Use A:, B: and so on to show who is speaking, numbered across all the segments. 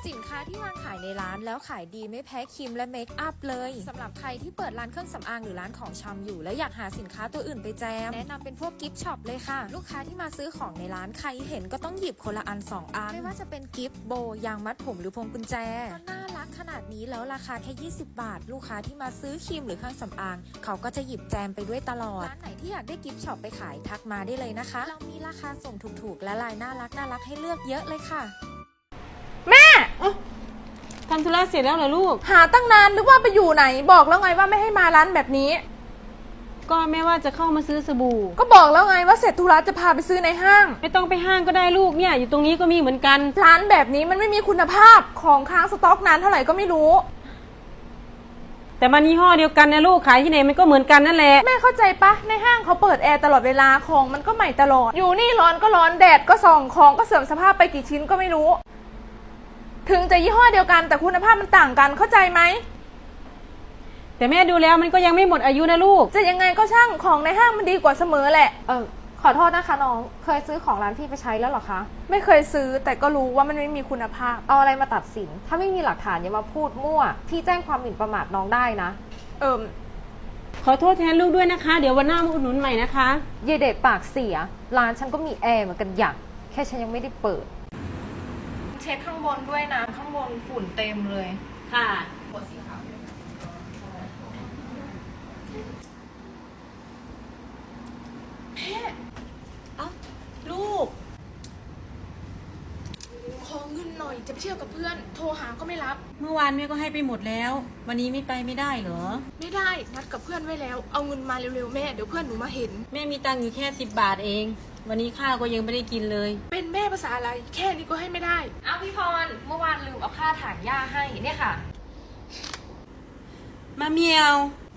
A: สินค้าที่วางขายในร้านแล้วขายดีไม่แพ้ครีมและเมคอัพเลยสำหรับใครที่เปิดร้านเครื่องสำอางหรือร้านของชำอยู่แล้วอยากหาสินค้าตัวอื่นไปแจมแนะนำเป็นพวกกิฟต์ช็อปเลยค่ะลูกค้าที่มาซื้อของในร้านใครเห็นก็ต้องหยิบคนละอัน2 อันไม่ว่าจะเป็นกิฟต์โบยางมัดผมหรือพวงกุญแจก็น่ารักขนาดนี้แล้วราคาแค่20 บาทลูกค้าที่มาซื้อครีมหรือเครื่องสำอางเขาก็จะหยิบแจมไปด้วยตลอดร้านไหนที่อยากได้กิฟต์ช็อปไปขายทักมาได้เลยนะคะเรามีราคาส่งถูกๆและลายน่ารักให้เลือกเยอะเลยค่ะ
B: แม่
C: ทำธุระเสร็จแล้วเหรอลูก
B: หาตั้งนานนึกว่าไปอยู่ไหนบอกแล้วไงว่าไม่ให้มาร้านแบบนี้
C: ก็แม่ว่าจะเข้ามาซื้อสบู่
B: ก็บอกแล้วไงว่าเสร็จธุระจะพาไปซื้อในห้าง
C: ไม่ต้องไปห้างก็ได้ลูกเนี่ยอยู่ตรงนี้ก็มีเหมือนกัน
B: ร้านแบบนี้มันไม่มีคุณภาพของค้างสต็อกนานเท่าไหร่ก็ไม่รู้
C: แต่มันยี่ห้อเดียวกันนะลูกขายที่ไหนมันก็เหมือนกันนั่นแหละ
B: แม่เข้าใจปะในห้างเขาเปิดแอร์ตลอดเวลาของมันก็ใหม่ตลอดอยู่นี่ร้อนก็ร้อนแดดก็ส่องของก็เสื่อมสภาพไปกี่ชิ้นก็ไม่รู้ถึงจะยี่ห้อเดียวกันแต่คุณภาพมันต่างกันเข้าใจไหม
C: แต่แม่ดูแล้วมันก็ยังไม่หมดอายุนะลูก
B: จะยังไงก็ช่างของในห้างมันดีกว่าเสมอแหละขอโทษนะคะน้องเคยซื้อของร้านพี่ไปใช้แล้วหรอคะไม่เคยซื้อแต่ก็รู้ว่ามันไม่มีคุณภาพ
D: เอาอะไรมาตัดสินถ้าไม่มีหลักฐานอย่ามาพูดมั่วพี่แจ้งความหมิ่นประมาทน้องได้นะ
C: ขอโทษแทนลูกด้วยนะคะเดี๋ยววันหน้ามาอุดหนุนใหม่นะคะ
D: เยเดชปากเสียร้านฉันก็มีแอร์เหมือนกันอย่างแค่ฉันยังไม่ได้เปิด
B: เช็ดข้างบนด้วยนะข้างบนฝุ่นเต็มเลย
C: ค่ะ
B: หัวสีขาวแม่ลูกขอเงินหน่อยจะไปเที่ยวกับเพื่อนโทรหาก็ไม่รับ
C: เมื่อวานแม่ก็ให้ไปหมดแล้ววันนี้ไม่ไปไม่ได้เหรอ
B: ไม่ได้นัดกับเพื่อนไว้แล้วเอาเงินมาเร็วๆแม่เดี๋ยวเพื่อนหนูมาเห็น
C: แม่มีตังค์อยู่แค่10 บาทเองวันนี้ข้าวก็ยังไม่ได้กินเลย
B: เป็นแม่ภาษาอะไรแค่นี้ก็ให้ไม่ได้
D: เอาพี่พรเมื่อวานลืมเอาค่าถางหญ้าให้เนี่ยค่ะ
C: มาเมียว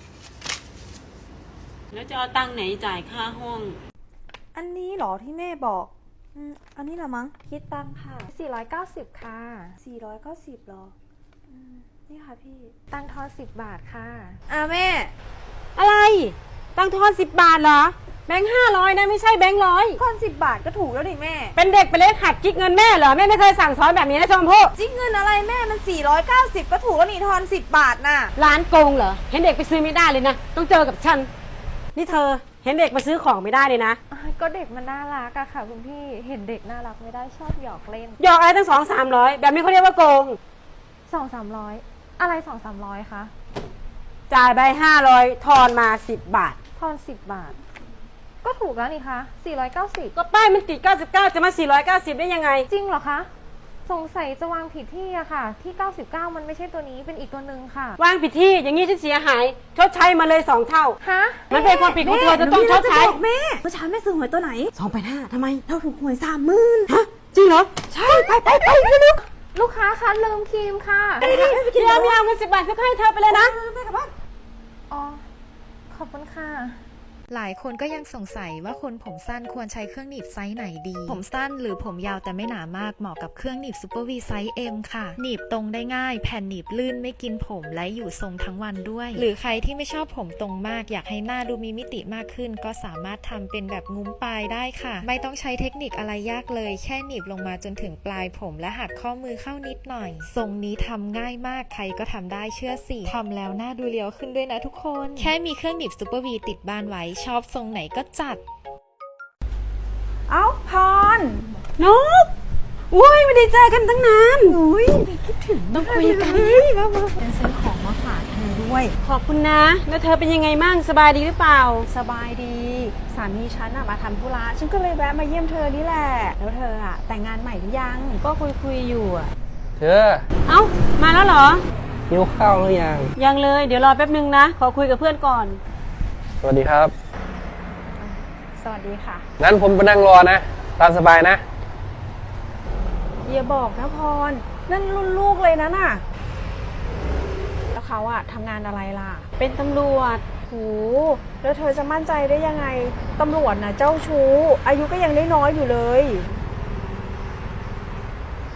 C: แล้วจะเอาตังค์ไหนจ่ายค่าห้อง
E: อันนี้เหรอที่แม่บอกอันนี้ละมั้งคิดตังค่ะ
D: 490ค่ะ
E: 490หรอนี่ค่ะพี่
D: ตังทอน10 บาทค่ะ
E: แม่
C: อะไรตังทอน10 บาทเหรอแบงค์500นะไม่ใช่แบงค์100
E: ทอน10 บาทก็ถูกแล้วดิแม่
C: เป็นเด็กไปเล่นหัดจิกเงินแม่เหรอแม่ไม่เคยสั่งสอนแบบนี้นะชมพู่
E: จิกเงินอะไรแม่มัน490ก็ถูกแล้วนี่ทอน10 บาทน่ะ
C: ร้านโกงเหรอเห็นเด็กไปซื้อไม่ได้เลยนะต้องเจอกับฉันนี่เธอเห็นเด็กมาซื้อของไม่ได้เลยนะ
D: ก็เด็กมันน่ารักอะค่ะคุณพี่เห็นเด็กน่ารักไม่ได้ชอบหยอกเล่น
C: หยอกอะไรตั้ง200-300แบบนี้เขาเรียกว่าโกง
D: 200-300อะไร200-300คะ
C: จ่ายไป500ทอนมา10 บาท
D: ทอน10 บาทก็ถูกแล้วนี่คะ490
C: ก็ป้ายมันติด99จะมา490ได้ยังไง
D: จริงเหรอคะสงสัยจะวางผิดที่อะค่ะที่99มันไม่ใช่ตัวนี้เป็นอีกตัวหนึ่งค่ะ
C: วางผิดที่อย่างนี้ฉันเสียหายชดใช้มาเลย2 เท่า
D: ฮะ
C: มันเป็นความผิดของเธอจะต้องชดใช้
E: แม่เมื่อเช้าแม่ซื้อหวยตัวไหน
C: 285ทำไม
E: เราถูกหวย30,000
C: ฮะจริงเหรอ
E: ใช่ไป
D: ลูกค้าคะลืมครีมค่ะ
C: เดี๋ยวเงิน10 บาทจะให้เธอไปเลยนะ
E: แม่กลับบ้าน
D: อ๋อขอบคุณค่ะ
A: หลายคนก็ยังสงสัยว่าคนผมสั้นควรใช้เครื่องหนีบไซส์ไหนดีผมสั้นหรือผมยาวแต่ไม่หนามากเหมาะกับเครื่องหนีบซูเปอร์วีไซส์ M ค่ะหนีบตรงได้ง่ายแผ่นหนีบลื่นไม่กินผมและอยู่ทรงทั้งวันด้วยหรือใครที่ไม่ชอบผมตรงมากอยากให้หน้าดูมีมิติมากขึ้นก็สามารถทำเป็นแบบงุ้มปลายได้ค่ะไม่ต้องใช้เทคนิคอะไรยากเลยแค่หนีบลงมาจนถึงปลายผมและหักข้อมือเข้านิดหน่อยทรงนี้ทำง่ายมากใครก็ทำได้เชื่อสิทำแล้วหน้าดูเรียวขึ้นด้วยนะทุกคนแค่มีเครื่องหนีบซูเปอร์วีติดบ้านไว้ชอบทรงไหนก็จัด
E: พร
C: นกอุ้ยไม่ได้เจอกันตั้งนาน
E: อุ้ยคิดถึง
C: ต้องคุยกัน
E: เป็นซื้อของมาฝากเธอด้วย
C: ขอบคุณนะแล้วเธอเป็นยังไงมั่งสบายดีหรือเปล่า
E: สบายดีสามีฉันมาทำธุระฉันก็เลยแวะมาเยี่ยมเธอนี่แหละแล้วเธอแต่งงานใหม่หรือยัง
C: ก็คุยอยู่
F: เธอ
C: เอ้ามาแล้วเหรอ
F: หิวข้าวหรือยัง
C: ยังเลยเดี๋ยวรอแป๊บนึงนะขอคุยกับเพื่อนก่อน
F: สวัสดีครับ
E: สวัสดีค่ะ
F: งั้นผมไปนั่งรอนะตามสบายนะ
E: อย่าบอกนะพรนั่นรุ่นลูกเลยนะน่ะแล้วเขาทำงานอะไรล่ะ
C: เป็นตำรวจ
E: โหแล้วเธอจะมั่นใจได้ยังไงตำรวจเจ้าชู้อายุก็ยังน้อยอยู่เลย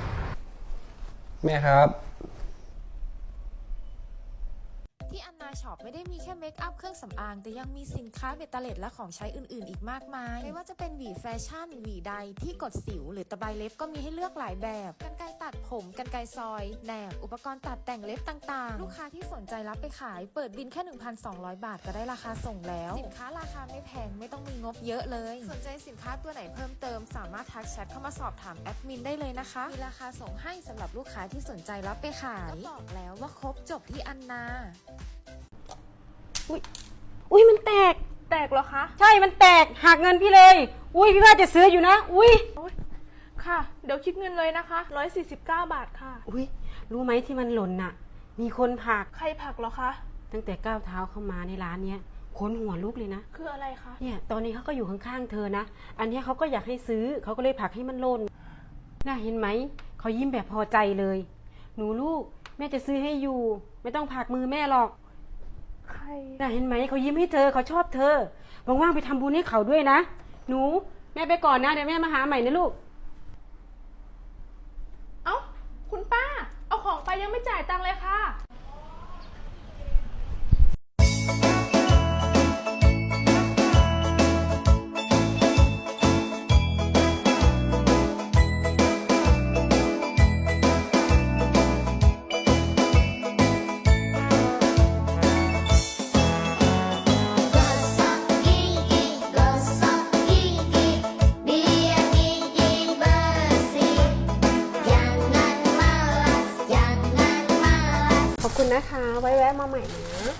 F: แม่ครับ
A: ที่อันนาช็อปไม่ได้มีแค่เมคอัพเครื่องสำอางแต่ยังมีสินค้าเบตเตอร์เล็ดและของใช้อื่นๆอีกมากมายไม่ว่าจะเป็นหวีแฟชั่นหวีใดที่กดสิวหรือตะไบเล็บก็มีให้เลือกหลายแบบกรรไกรตัดผมกรรไกรซอยแหนบอุปกรณ์ตัดแต่งเล็บต่างๆลูกค้าที่สนใจรับไปขายเปิดบินแค่ 1,200 บาทก็ได้ราคาส่งแล้วสินค้าราคาไม่แพงไม่ต้องมีงบเยอะเลยสนใจสินค้าตัวไหนเพิ่มเติมสามารถทักแชทเข้ามาสอบถามแอดมินได้เลยนะคะมีราคาส่งให้สำหรับลูกค้าที่สนใจรับไปขายก็บอกแล้วว่าครบจบที่อันนา
C: อุ้ยมันแตก
B: แตกเหรอคะ
C: ใช่มันแตกหักเงินพี่เลย อุ้ยพี่ว่าจะซื้ออยู่นะ อุ้ย
B: ค่ะ เดี๋ยวคิดเงินเลยนะคะ149 บาทค่ะ
C: อุ้ยรู้ไหมที่มันหล่นน่ะ มีคนผลัก
B: ใครผลักเหรอคะ
C: ตั้งแต่ก้าวเท้าเข้ามาในร้านเนี้ยขนหัวลุกเลยนะ
B: คืออะไรคะ
C: เนี่ยตอนนี้เขาก็อยู่ข้างๆเธอนะ อันเนี้ยเขาก็อยากให้ซื้อเขาก็เลยผลักให้มันหล่นน่าเห็นไหมเขายิ้มแบบพอใจเลย หนูลูกแม่จะซื้อให้อยู่ ไม่ต้องผลักมือแม่หรอก
B: ใคร
C: น่าเห็นไหมเขายิ้มให้เธอเขาชอบเธอว่างๆไปทำบุญให้เขาด้วยนะหนูแม่ไปก่อนนะเดี๋ยวแม่มาหาใหม่นะลูก
B: เอ้า คุณป้า เอาของไปยังไม่จ่ายตังค์เลยค่ะ
G: Gosok gigi, gosok gigi, biar gigi bersih. Jangan malas, jangan malas.
E: ขอบคุณนะคะ ไว้แวะมาใหม่นะ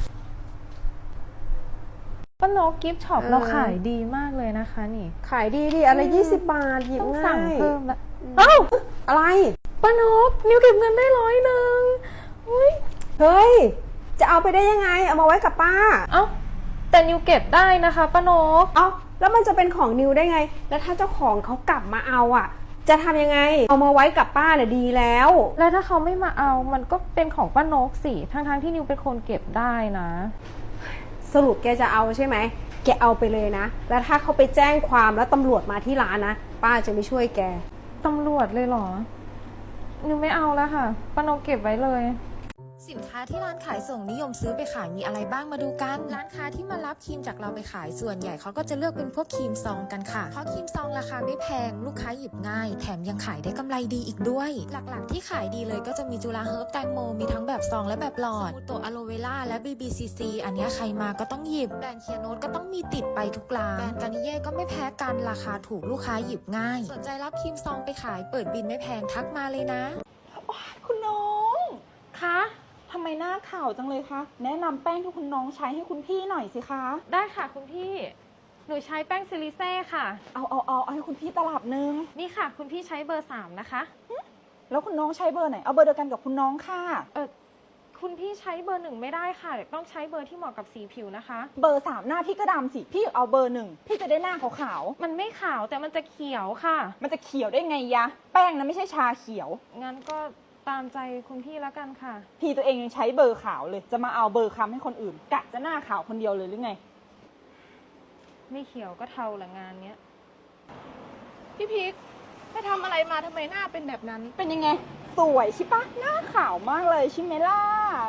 D: ป้านกกิฟต์ช็อปเราขายดีมากเลยนะคะนี่
E: ขายดีดิอะไร20 บาทหยิบ
D: ต้อง
E: ง่าย
D: สั่งเพิ่มละเอ้า
E: อะไร
D: ป้านกนิวเก็บเงินได้100อุ้ย
E: เฮ้ย จะเอาไปได้ยังไง เอามาไว้กับป้า
D: เอ้าแต่นิวเก็บได้นะคะป้านก
E: เอาแล้วมันจะเป็นของนิวได้ไง แล้วถ้าเจ้าของเขากลับมาเอาอ่ะ จะทำยังไง เอามาไว้กับป้าเนี่ยดีแล้ว
D: แล้วถ้าเขาไม่มาเอามันก็เป็นของป้านกสิทั้งที่นิวเป็นคนเก็บได้นะ
E: สรุปแกจะเอาใช่ไหม แกเอาไปเลยนะ แล้วถ้าเขาไปแจ้งความแล้วตำรวจมาที่ร้านนะ ป้าจะไม่ช่วยแก
D: ตำรวจเลยเหรอ นิวไม่เอาแล้วค่ะป้านกเก็บไว้เลย
A: สินค้าที่ร้านขายส่งนิยมซื้อไปขายมีอะไรบ้างมาดูกัน ร้านค้าที่มารับครีมจากเราไปขายส่วนใหญ่เขาก็จะเลือกเป็นพวกครีมซองกันค่ะ เพราะครีมซองราคาไม่แพงลูกค้าหยิบง่าย แถมยังขายได้กำไรดีอีกด้วย หลักๆที่ขายดีเลยก็จะมีจุฬาเฮิร์บแตงโมมีทั้งแบบซองและแบบหลอดสมูโตอะโลเวล่าและ BBCC อันเนี้ยใครมาก็ต้องหยิบแบรนด์เคียโนตก็ต้องมีติดไปทุกร้านแบรนด์กานิเย่ก็ไม่แพ้กันราคาถูกลูกค้าหยิบง่ายสนใจรับครีมซองไปขายเปิดบินไม่แพงทักมาเลยนะ
H: คุณน้อง
D: คะ
H: ทำไมหน้าขาวจังเลยคะ แนะนำแป้งที่คุณน้องใช้ให้คุณพี่หน่อยสิคะ
D: ได้ค่ะคุณพี่ หนูใช้แป้งซิลิเซ่ค่ะ
H: เอาให้คุณพี่ตลับนึง
D: นี่ค่ะ คุณพี่ใช้เบอร์ 3 นะคะ
H: แล้วคุณน้องใช้เบอร์ไหน เอาเบอร์เดียวกันกับคุณน้องค่ะ
D: คุณพี่ใช้เบอร์ 1 ไม่ได้ค่ะ ต้องใช้เบอร์ที่เหมาะกับสีผิวนะคะ
H: เบอร์ 3 หน้าพี่ก็ดำสิ พี่เอาเบอร์ 1 พี่จะได้หน้าขาว
D: มันไม่ขาวแต่มันจะเขียวค่ะ
H: ๆ มันจะเขียวได้ไงยะ แป้งนะไม่ใช่ชาเขียว
D: งั้นก็ตามใจคุณพี่แล้วกันค่ะ
H: พี่ตัวเองยังใช้เบอร์ขาวเลย จะมาเอาเบอร์ค้ำให้คนอื่น กะจะหน้าขาวคนเดียวเลยหรือไง
D: ไม่เขียวก็เทาละงานเนี้ย
B: พี่พิกไปทำอะไรมาทำไมหน้าเป็นแบบนั้น
H: เป็นยังไง สวยใช่ปะหน้าขาวมากเลยใช่ไหมล่ะ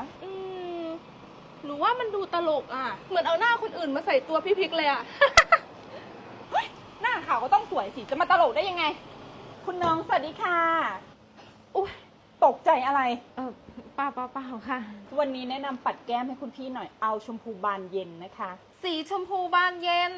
B: หนูว่ามันดูตลกอ่ะ เหมือนเอาหน้าคนอื่นมาใส่ตัวพี่พิกเลยอ่ะ
H: หน้าขาวก็ต้องสวยสิ จะมาตลกได้ยังไง คุณน้องสวัสดีค่ะ
B: อุ๊ย
H: ตกใจอะไร
D: เปล่าค่ะ
H: วันนี้แนะนำปัดแก้มให้คุณพี่หน่อย เอาชมพูบานเย็นนะคะ
D: สีชมพูบานเย็น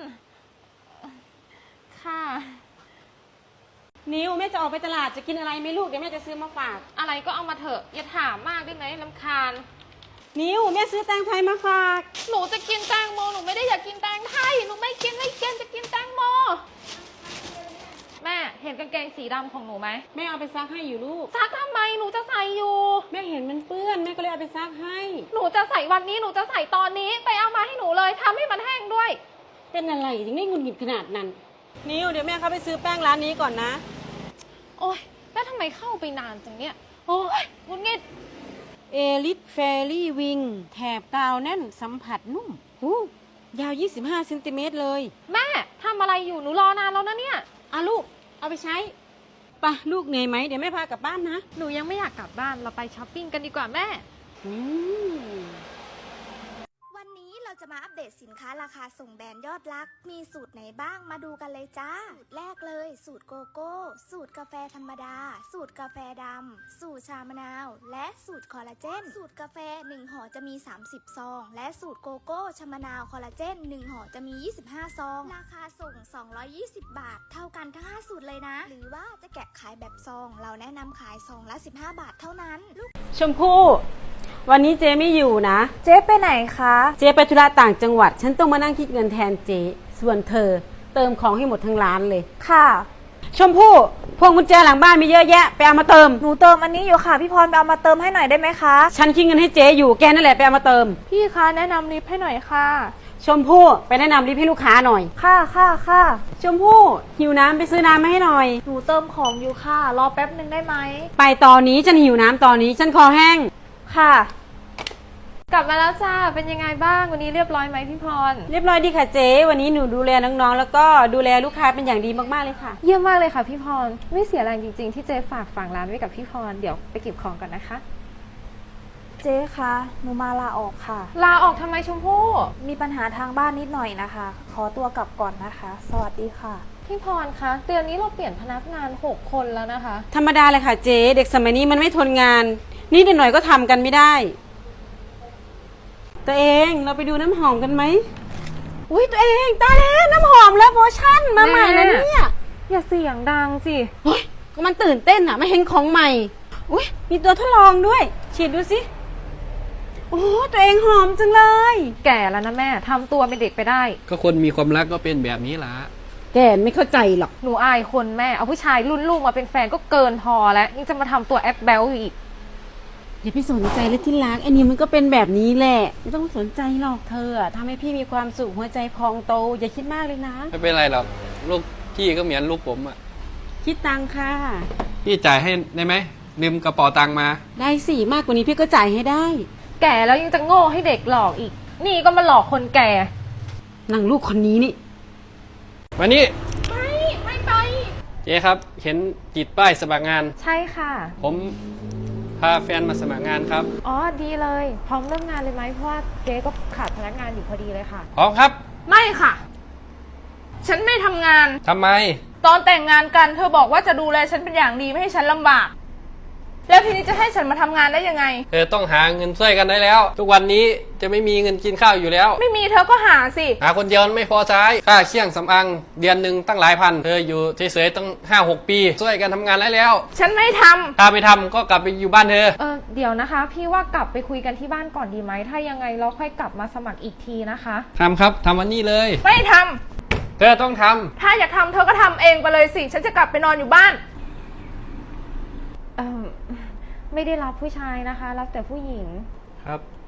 D: ค่ะ
C: นิวแม่จะออกไปตลาดจะกินอะไรไหมลูกเดี๋ยวแม่จะซื้อมาฝาก
D: อะไรก็เอามาเถอะ อย่าถามมากได้ไหมรำคาญ
C: นิวแม่ซื้อแตงไทยมาฝาก
D: หนูจะกินแตงโม หนูไม่ได้อยากกินแตงไทย หนูไม่กินจะกินแตงโม แม่เห็นกางเกงสีดำของหนูไหม
C: แม่เอาไปซักให้อยู่ลูก
D: ซักทำไม หนูจะใส่อยู่
C: แม่เห็นมันเปื้อนแม่ก็เลยเอาไปซักให้
D: หนูจะใส่วันนี้ หนูจะใส่ตอนนี้ ไปเอามาให้หนูเลยทำให้มันแห้งด้วย
C: เป็นอะไรถึงได้หงุดหงิดขนาดนั้น นิวเดี๋ยวแม่เข้าไปซื้อแป้งร้านนี้ก่อนนะ
D: โอ๊ย แล้วทำไมเข้าไปนานจังเนี่ย โอ๊ยหงุดหงิด
C: เอลิทเฟรี่วิงแถบกาวแน่นสัมผัสนุ่มยาว 25 เซนติเมตรเลย
D: แม่ทำอะไรอยู่ หนูรอนานแล้วนะเนี่ย
C: อ่ะลูก เอาไปใช้ไปะลูกเหนื่อยไหมเดี๋ยวแม่พากลับบ้านนะ
D: หนูยังไม่อยากกลับบ้าน เราไปช้อปปิ้งกันดีกว่าแม่
C: อืม
A: วัน
G: จะมาอัปเดตสินค้าราคาส่งแบรนด์ยอดรัก มีสูตรไหนบ้างมาดูกันเลยจ้า สูตรแรกเลย สูตรโกโก้ สูตรกาแฟธรรมดา สูตรกาแฟดำ สูตรชามะนาว และสูตรคอลลาเจน สูตรกาแฟ1ห่อจะมี 30 ซอง และสูตรโกโก้ชามะนาวคอลลาเจน1ห่อจะมี 25 ซอง ราคาส่ง 220 บาท เท่ากันทั้ง 5 สูตรเลยนะ หรือว่าจะแกะขายแบบซอง เราแนะนำขายซองละ 15 บาทเท่านั้น
C: ชมพู่วันนี้เจ๊ไม่อยู่นะ
B: เจ๊ไปไหนคะ
C: เจ๊ไปธุระต่างจังหวัด ฉันต้องมานั่งคิดเงินแทนเจ๊ส่วนเธอเติมของให้หมดทั้งร้านเลย
B: ค่ะ
C: ชมพู่พวงกุญแจหลังบ้านมีเยอะแยะไปเอามาเติม
B: หนูเติมอันนี้อยู่ค่ะพี่พรไปเอามาเติมให้หน่อยได้ไหมคะ
C: ฉันคิดเงินให้เจ๊อยู่แกนั่นแหละไปเอามาเติม
B: พี่คะแนะนำลิฟต์ให้หน่อยค่ะ
C: ชมพู่ไปแนะนำรีบให้ลูกค้าหน่อย
B: ค่ะค่ะค่ะ
C: ชมพู่หิวน้ำไปซื้อน้ำมาให้หน่อย
B: หนูเติมของอยู่ค่ะ รอแป๊บหนึ่งได้ไหม
C: ไปตอนนี้ฉันหิวน้ำตอนนี้ฉันคอแห้ง
B: ค่ะ
D: กลับมาแล้วจ้า เป็นยังไงบ้าง วันนี้เรียบร้อยไหมพี่พร
C: เรียบร้อยดีค่ะเจ๊วันนี้หนูดูแลน้องๆแล้วก็ดูแลลูกค้าเป็นอย่างดีมากๆเลยค่ะ
D: เยี่ยมมากเลยค่ะพี่พร ไม่เสียแรงจริงๆ ที่เจ๊ฝากฝังร้านไว้กับพี่พร เดี๋ยวไปเก็บของก่อนนะคะ
B: เจ๊คะหนูมาลาออกค่ะ
D: ลาออกทำไมชมพู่
B: มีปัญหาทางบ้านนิดหน่อยนะคะ ขอตัวกลับก่อนนะคะ สวัสดีค่ะ
D: พี่พรคะเดือนนี้เราเปลี่ยนพนักงาน 6 คนแล้วนะคะ
C: ธรรมดาเลยค่ะเจ๊เด็กสมัยนี้มันไม่ทนงานนิดหน่อยก็ทำกันไม่ได้ ตัวเองเราไปดูน้ำหอมกันไหมอุ้ยตัวเองตายแล้วน้ำหอมแล้วโมชั่นมาใหม่แล้วเนี่ย
D: อย่าเสียงดังสิ
C: โอ้ยก็มันตื่นเต้นอ่ะไม่เห็นของใหม่อุ้ยมีตัวทดลองด้วยฉีดดูสิโอ้ตัวเองหอมจังเลย
D: แก่แล้วนะแม่ทำตัวเป็นเด็กไปได้
F: ก็คนมีความรักก็เป็นแบบนี้ล่ะ
C: แกไม่เข้าใจหรอก
D: หนูอายคนแม่ เอาผู้ชายรุ่นลูกมาเป็นแฟนก็เกินพอแล้วยังจะมาทำตัวแอปแบลอยู่อีก
C: อย่าไปสนใจเลยที่รักไอ้นี่มันก็เป็นแบบนี้แหละไม่ต้องสนใจหรอกเธออะทำให้พี่มีความสุขหัวใจพองโตอย่าคิดมากเลยนะ
F: ไม่เป็นไรหรอก ลูกพี่ก็เหมือนลูกผมอ่ะ
C: คิดตังค่ะ
F: พี่จ่ายให้ได้ไหมลืมกระเป๋าตังค์มา
C: ได้สิมากกว่านี้พี่ก็จ่ายให้ได้
D: แก่แล้วยังจะโง่ให้เด็กหลอกอีก นี่ก็มาหลอกคนแก่
C: นางลูกคนนี้นี่
F: มานี่
D: ไม่ไป
F: เจ๊ครับ เห็นติดป้ายสมัครงาน
D: ใช่ค่ะ
F: ผมพาแฟนมาสมัครงานครับ
D: อ๋อดีเลย พร้อมเริ่มงานเลยไหมเพราะว่าเจ๊ก็ขาดพนักงานอยู่พอดีเลยค่ะ
F: พร้อมครับ
B: ไม่ค่ะ ฉันไม่ทำงาน
F: ทำไม
B: ตอนแต่งงานกันเธอบอกว่าจะดูแลฉันเป็นอย่างดีไม่ให้ฉันลำบาก แล้วทีนี้จะให้ฉันมาทำงานได้ยังไง
F: เธอต้องหาเงินช่วยกันได้แล้ว ทุกวันนี้จะไม่มีเงินกินข้าวอยู่แล้ว
B: ไม่มีเธอก็หาสิ
F: หาคนเดียวมันไม่พอใช้ค่าเครื่องสำอางเดือนหนึ่งตั้งหลายพัน เธออยู่เฉยๆตั้ง5-6 ปีช่วยกันทำงานได้แล้ว
B: ฉันไม่ทำ
F: ถ้าไปทำก็กลับไปอยู่บ้านเธอ
D: เดี๋ยวนะคะ พี่ว่ากลับไปคุยกันที่บ้านก่อนดีไหม ถ้ายังไงเราค่อยกลับมาสมัครอีกทีนะคะ
F: ทำครับทำวันนี้เลย
B: ไม่ทำ
F: เธอต้องทำ
B: ถ้าอยากทำเธอก็ทำเองไปเลยสิ ฉันจะกลับไปนอนอยู่บ้าน
D: ไม่ได้รับผู้ชายนะคะ รับแต่ผู้หญิง
F: ครับ